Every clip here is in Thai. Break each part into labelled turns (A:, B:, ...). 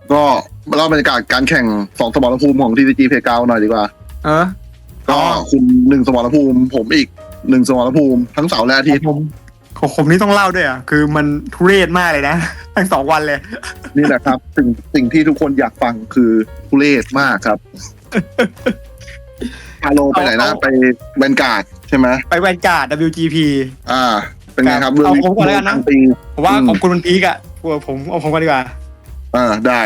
A: ก็มาเล่าบรรยากาศการแข่ง2สมรภูมิของ TCG Playground หน่อยดีกว่าก็คุณ1สมรภูมิผมอีก1สมรภูมิทั้งเสาร์และอาทิตย์
B: ผมนี่ต้องเล่าด้วยอ่ะคือมันทุเรศมากเลยนะทั้ง2 วันเลย
A: นี่แหละครับสิ่งที่ทุกคนอยากฟังคือทุเรศมากครับพาโลไปไหนนะไปแวนการ์ดใช่ไหม
B: ไปแวนการ์ด WGP
A: เป็นไงครับ
B: เอาผมก่อนแล้วกันนะผมว่าของคุณมันพีกอ่ะผมเอาผมก่อนดีกว่า
A: ได้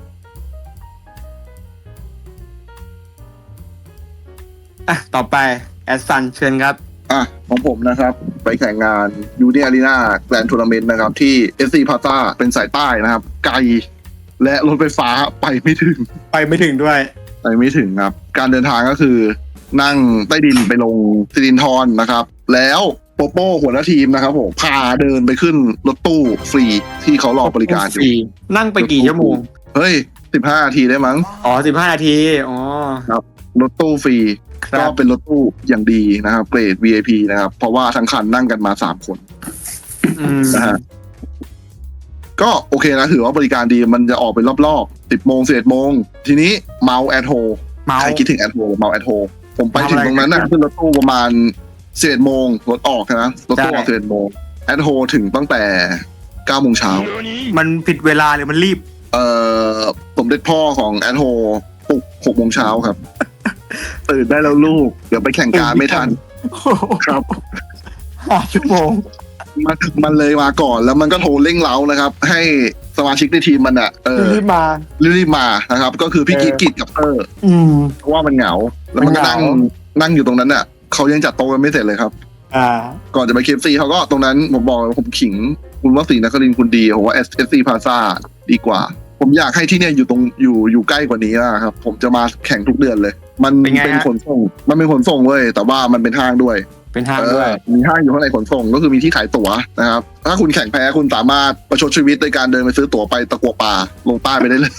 B: ต่อไปแอดซันเชิญครับ
A: ของผมนะครับไปแข่งงานยูเนียอารีนาแกรนด์ทัวร์นาเมนต์นะครับที่ SC Plaza เป็นสายใต้นะครับไกลและรถไฟฟ้าไปไม่ถึง
B: ด้วย
A: ไปไม่ถึงครับการเดินทางก็คือนั่งใต้ดินไปลงสิรินธรนะครับแล้วโปโป้หัวหน้าทีมนะครับผมพาเดินไปขึ้นรถตู้ฟรีที่เขารอบริการอยู่
B: นั่งไปกี่ชั่วโมง
A: เฮ้ย15 นาทีได้มั้ง
B: 15 นาที
A: ครับรถตู้ฟรีก็เป็นรถตู้อย่างดีนะครับเกรด VIP นะครับเพราะว่าทั้งคันนั่งกันมา3 คนนะฮะก็โอเคนะถือว่าบริการดีมันจะออกเป็นรอบๆ10 โมง11 โมงทีนี้เมาแอทโฮใครคิดถึงแอทโฮเมาแอทโฮผมไปถึงตรงนั้นนะขึ้นรถตู้ประมาณ11 โมงรถออกนะรถตู้ออก11 โมงแอทโฮถึงตั้งแต่9 โมงเช้า
B: มันผิดเวลาหรือมันรีบ
A: สมเด็จพ่อของแอทโฮปลุก6 โมงเช้าครับตื่นได้แล้วลูกเดี๋ยวไปแข่งการไม่ทันครับ
B: 5 ชั่วโมง
A: มันเลยมาก่อนแล้วมันก็โทรเร่งเร้านะครับให้สมาชิกในทีมมัน
B: รีบ
A: มานะครับก็คือพี่กิจกับเตอร์เพราะว่ามันเหงาแล้วมันก็นั่งอยู่ตรงนั้นน่ะเขายังจัดโต๊ะกันไม่เสร็จเลยครับก่อนจะไปKFCเขาก็ตรงนั้นผมบอกผมขิงคุณวสีนครินทร์คุณดีผมว่า SC Plaza ดีกว่าผมอยากให้ที่เนี่ยอยู่ใกล้กว่านี้นะครับผมจะมาแข่งทุกเดือนเลยมันเป็นขนส่งเว้ยแต่ว่ามันเป็นห้างด้วยมีห้างอยู่ข้างในขนส่งก็คือมีที่ขายตั๋วนะครับถ้าคุณแข่งแพ้คุณสามารถประชดชีวิตโดยการเดินไปซื้อตั๋วไปตะกัวป่าลงใต้ไปได้เลย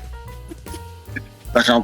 A: นะครับ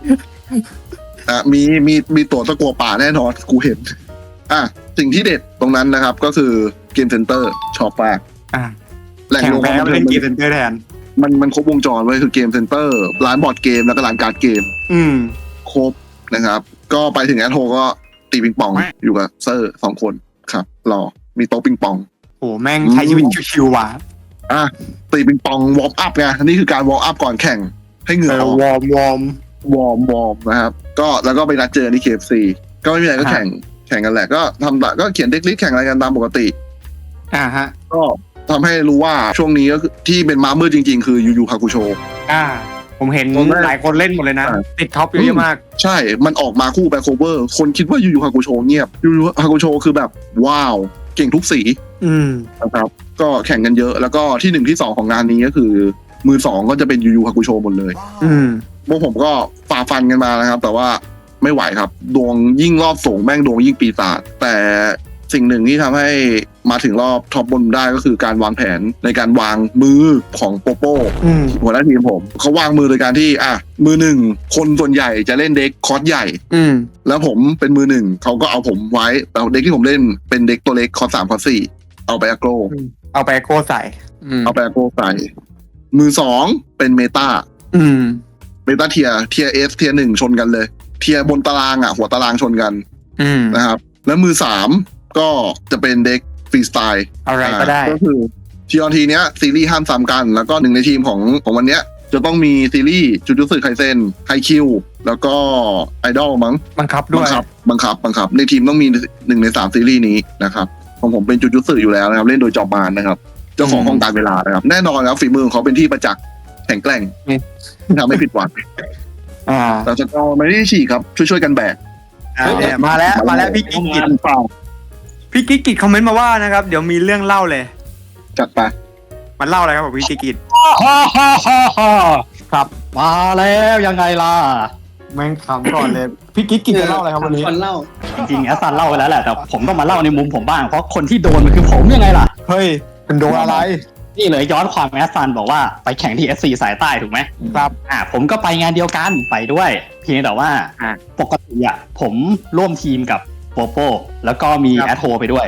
A: มีตั๋วตะกัวป่าแน่นอนกูเห็นสิ่งที่เด็ดตรงนั้นนะครับก็คือเกมเซ็นเตอร์ชอบมาก
B: แหล่งรวมความบันเทิงเกมเซ็นเตอร์แทน
A: มันครบวงจรไว้คือเกมเซ็นเตอร์ร้านบอร์ดเกมแล้วก็ร้านการ์ดเกมครบนะครับก็ไปถึงแอทโฮก็ตีปิงปองอยู่กับเซอร์2 คนครับมีโต๊ะปิงปอง
B: โอ้แม่งใช้ชีวิตชิวๆว่ะ
A: ตีปิงปองวอร์มอัพไงนี่คือการวอร์มอัพก่อนแข่งให้เหงื่อออก
B: วอร์
A: มนะครับก็แล้วก็ไปนัดเจอที่ KFC ก็ไม่มีอะไรก็แข่งกันแหละก็ก็เขียนเด็กลิสต์แข่งอะไรกันตามปกติ
B: ฮะ
A: ก็ทำให้รู้ว่าช่วงนี้ก็ที่เป็นม้ามืดจริงๆคือยูฮากุโช
B: ผมเห็นหลายคนเล่นหมดเลยนะติดท็อปเยอะมาก
A: ใช่มันออกมาคู่แบ็คโคเวอร์คนคิดว่ายูฮากุโชเงียบยูฮากุโชคือแบบว้าวเก่งทุกสีนะครับก็แข่งกันเยอะแล้วก็ที่1ที่2ของงานนี้ก็คือมือ2ก็จะเป็นยูฮากุโชหมดเลยพวกผมก็ฝ่าฟันกันมานะครับแต่ว่าไม่ไหวครับดวงยิ่งรอบสูงแม่งดวงยิ่งปีศาจแต่สิ่งหนึ่งที่ทำให้มาถึงรอบท็อปบนได้ก็คือการวางแผนในการวางมือของโปโป้หัวหน้าทีมผมเขาวางมือโดยการที่มือ1คนส่วนใหญ่จะเล่นเด็กคอร์สใหญ่แล้วผมเป็นมือ1เขาก็เอาผมไว้แต่เด็กที่ผมเล่นเป็นเด็กตัวเล็กคอร์ส3คอร์ส4เอาไปอโกร
B: ใส่
A: มือ2เป็นเมตาเทียเอสเทีย1ชนกันเลยเทียบนตารางหัวตารางชนกันนะครับแล้วมือ3ก็จะเป็นเด็กฟรีสไตล์
B: อะไรก็ได้
A: ก็คือทีเนี้ยซีรีส์ห้ามซ้ำกันแล้วก็หนึ่งในทีมของวันเนี้ยจะต้องมีซีรีส์จูจูสึไคเซ็นไฮคิวแล้วก็ไอดอลมั้ง
B: บังคับ
A: ในทีมต้องมี1 ใน 3ซีรีส์นี้นะครับของผมเป็นจูจูสึอยู่แล้วนะครับเล่นโดยจอมานนะครับเจ้าของห้องการเวลานะครับแน่นอนครับฝีมือของเขาเป็นที่ประจักษ์แข็งแกร่งทำไม่ผิดหวังแต่สกอร์ไม่ได้ฉีกครับช่วยกันแบก
B: มาแล้วพี่กิ๊กกิจคอมเมนต์มาว่านะครับเดี๋ยวมีเรื่องเล่าเลย
A: จัดไป
B: มันเล่าอะไรครับพี่กิ๊กกิจ
C: ครับมาแล้วยังไงล่ะ
B: แม่งขำก่อนเลยพี่กิ๊กกิจจะเล่าอะไรครับวันนี้
C: เล่าจริงๆแอสซันเล่าไปแล้วแหละแต่ผมต้องมาเล่าในมุมผมบ้างเพราะคนที่โดนมันคือผมยังไงล่ะ
B: เฮ้ยเป็นโดนอะไร
C: นี่เลยย้อนความแอสซันบอกว่าไปแข่งที่ SC สายใต้ถูกไหม
B: ครับ
C: ผมก็ไปงานเดียวกันไปด้วยเพียงแต่ว่าปกติผมร่วมทีมกับโปโป้แล้วก็มีแอทโฮไปด้วย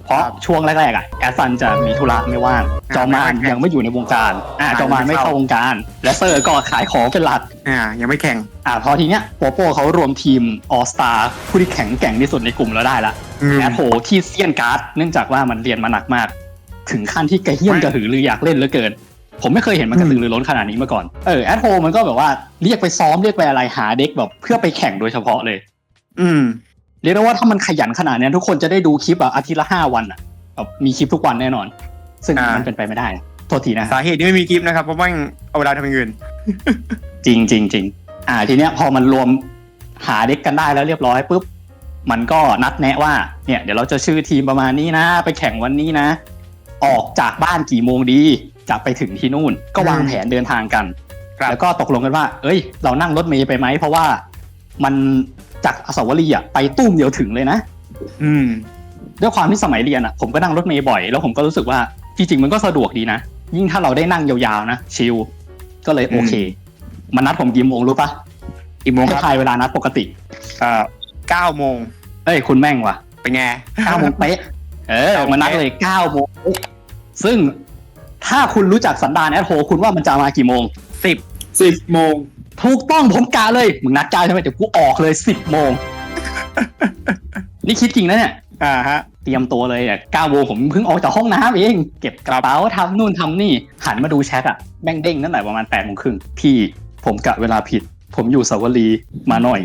C: เพราะช่วงแรกๆแอสซันจะมีธุระไม่ว่างจอมานยังไม่อยู่ในวงการจอมานไม่เข้าวงการและเซอร์ก็ขายของเป็นหลัก
B: ยังไม่แข่ง
C: พอทีเนี้ยโปโป้เขารวมทีมออสตาผู้ที่แข็งแกร่งที่สุดในกลุ่มแล้วได้ละแอดโฮที่เซียนการ์ดเนื่องจากว่ามันเรียนมาหนักมากถึงขั้นที่กระเฮี้ยนกระหือรืออยากเล่นเหลือเกินผมไม่เคยเห็นมันกระตือรือร้นขนาดนี้มาก่อนแอดโฮมันก็แบบว่าเรียกไปซ้อมเรียกไปอะไรหาเด็กแบบเพื่อไปแข่งโดยเฉพาะเลยเรียกได้ว่าถ้ามันขยันขนาดนี้ทุกคนจะได้ดูคลิปอาทิตย์ละ5 วันแบบมีคลิปทุกวันแน่นอนซึ่งมันเป็นไปไม่ได้โทษทีนะ
B: สาเหตุที่ไม่มีคลิปนะครับเพราะว่าเอาเวลาทำอย่างอื่น
C: จริงจริงจริงทีเนี้ยพอมันรวมหาเด็กกันได้แล้วเรียบร้อยปุ๊บมันก็นัดแนะว่าเนี่ยเดี๋ยวเราจะชื่อทีมประมาณนี้นะไปแข่งวันนี้นะออกจากบ้านกี่โมงดีจะไปถึงที่นู่นก็วางแผนเดินทางกันแล้วก็ตกลงกันว่าเรานั่งรถเมล์ไปไหมเพราะว่ามันจากอสาวรีย์ไปตุ้มเดียวถึงเลยนะด้วยความที่สมัยเรียนผมก็นั่งรถเมล์บ่อยแล้วผมก็รู้สึกว่าจริงๆมันก็สะดวกดีนะยิ่งถ้าเราได้นั่งยาวๆนะชิลก็เลยโอเคมันนัดผมกี่โมงรู้ปะ
B: กี่โมง
C: ครับทายเวลานัดปกติ
B: 9 โมง
C: คุณแม่งว่ะ
B: เป็นไง
C: 9 โมงเป๊ะมันนัดเลย9 โมงซึ่งถ้าคุณรู้จักสันดานแอดโฮคุณว่ามันจะมากี่โมง
B: 10 โมง
C: ถูกต้องผมกาเลยมึงนัด9ใช่ไหมเดี๋ยวกูออกเลย10 โมงนี่คิดจริงนะเนี่ยเตรียมตัวเลย9 โมงผมเพิ่งออกจากห้องน้ำเองเก็บกระเป๋าทำนู่นทำนี่หันมาดูแชทแม่งเด้งตั้งแต่ประมาณ8 โมงครึ่งพี่ผมกะเวลาผิดผมอยู่สาวรีมาหน่อย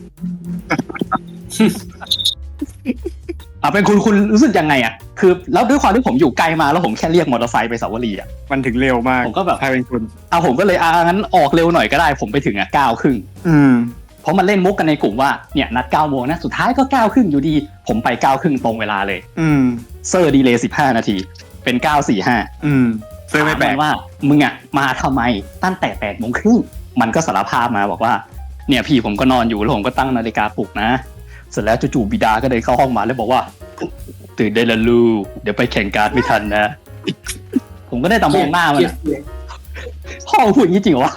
C: เป็นคุณรู้สึกยังไงคือแล้วด้วยความที่ผมอยู่ไกลมาแล้วผมแค่เรียกมอเตอร์ไซค์ไปสาวรี
B: มันถึงเร็วมาก
C: ผมก็แบบ
B: ใครเป็นคุณ
C: ผมก็เลยงั้นออกเร็วหน่อยก็ได้ผมไปถึง9 ครึ่งเพราะมันเล่นมุกกันในกลุ่มว่าเนี่ยนัด9 โมงนะสุดท้ายก็9 ครึ่งอยู่ดีผมไป9 ครึ่งตรงเวลาเลยเซอร์ดีเลย์15 นาทีเป็น9:45
B: เซอร์ไม่แปลก
C: ว่ามึงมาทำไมตั้งแต่8 โมงครึ่งมันก็สารภาพมาบอกว่าเนี่ยพี่ผมก็นอนอยู่แล้วผมก็ตั้งนาฬิกาปลุกนะเสร็จแล้วจู่ๆบิดาก็เดินเข้าห้องมาแล้วบอกว่าตื่นได้แล้วลูกเดี๋ยวไปแข่งการ์ดไม่ทันนะผมก็ได้แต่มองหน้ามันพ่อพูดอย่างนี้จริงเหรอวะ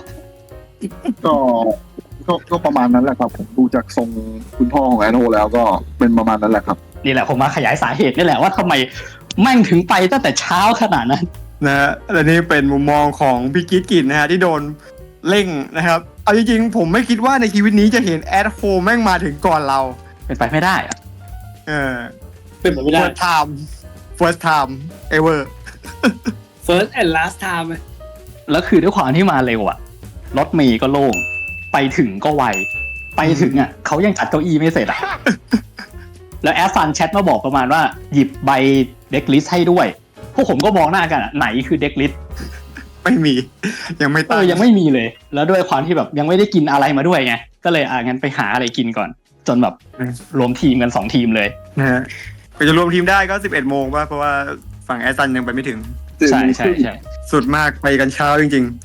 A: ก็ประมาณนั้นแหละครับผมดูจากทรงคุณพ่อของแอนโฮแล้วก็เป็นประมาณนั้นแหละครับ
C: นี่แหละผมมาขยายสาเหตุนี่แหละว่าทำไมแม่งถึงไปตั้งแต่เช้าขนาดนั้น
B: นะและนี่เป็นมุมมองของพี่กิ๊กกินนะฮะที่โดนเร่งนะครับเอาจริงๆผมไม่คิดว่าในชีวิตนี้จะเห็นแอดโฮแม่งมาถึงก่อนเรา
C: เป็นไปไม่ได้
B: เป็นไปไม่ได้ first time ever
D: first and last time
C: แล้วคือด้วยความที่มาเร็วรถเมล์ก็โล่งไปถึงก็ไวไปถึงเขายังจัดเก้าอี้ไม่เสร็จแล้วแอสซันแชทมาบอกประมาณว่าหยิบใบเด็กลิสต์ให้ด้วยพวกผมก็มองหน้ากันไหนคือเด็กลิสต์
B: ไม่มียังไม่ตั้ง
C: ยังไม่มีเลยแล้วด้วยความที่แบบยังไม่ได้กินอะไรมาด้วยไงก็เลยงั้นไปหาอะไรกินก่อนจนแบบรวมทีมกัน2 ทีมเลย
B: นะฮะก็จะรวมทีมได้ก็11 โมงป่ะเพราะว่าฝั่งแอสซันยังไปไม่ถึง
C: ใช่สุ
B: ดมากไปกันเช้าจริง